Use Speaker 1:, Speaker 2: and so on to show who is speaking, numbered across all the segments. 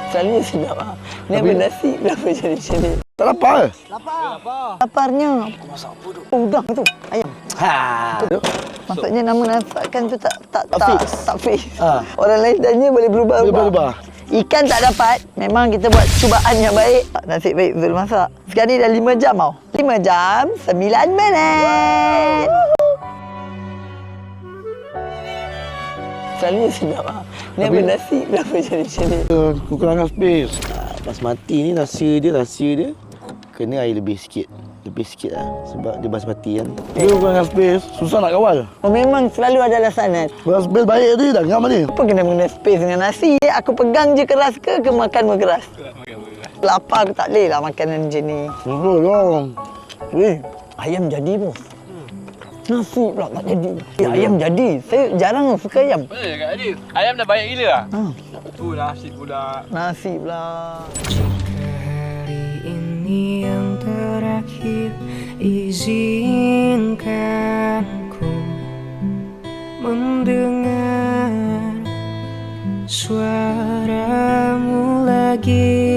Speaker 1: Selalunya sedap lah. Ni apa nasi berapa jadi macam ni?
Speaker 2: Tak lapar ke?
Speaker 1: Laparnya. Aku masak apa tu? Udang tu. Ayam. Maksudnya nama masakan tu tak fix. Orang lain tanya boleh berubah-ubah. Ikan tak dapat, memang kita buat cubaan yang baik. Nasib baik Zul masak. Sekarang ni dah 5 jam tau. 5 jam, 9 minit. Selalunya sedap lah. Ni apa nasi berapa jadi macam ni?
Speaker 2: Kekurangan space.
Speaker 3: Basmati ni rahsia dia kena air lebih sikit lah sebab dia basmati kan.
Speaker 2: Dia kekurangan space, susah nak kawal.
Speaker 1: Oh, memang selalu ada alasan kan?
Speaker 2: Kalau space baik tadi dah ngam ni.
Speaker 1: Apa kena mengenai space dengan nasi? Aku pegang je keras ke makan pun keras? Lapar aku tak boleh lah makanan macam ni.
Speaker 2: Betul dong.
Speaker 1: Weh, ayam jadi bos. Nasi pula tak jadi. Ayam jadi. Saya jarang suka ayam.
Speaker 4: Betul je Kak Adi. Ayam dah banyak gila lah. Tu nasi pula.
Speaker 1: Nasi pula.
Speaker 5: Hari ini yang terakhir, izinkan ku mendengar suaramu lagi.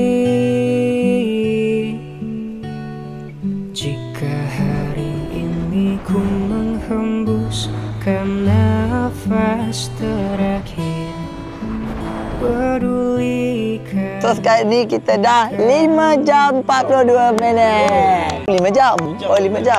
Speaker 5: Jika hari ini ku menghembuskan nafas terakhir, pedulikan.
Speaker 1: So sekarang ni kita dah 5 jam 42 minit. 5 jam? Oh 5 jam.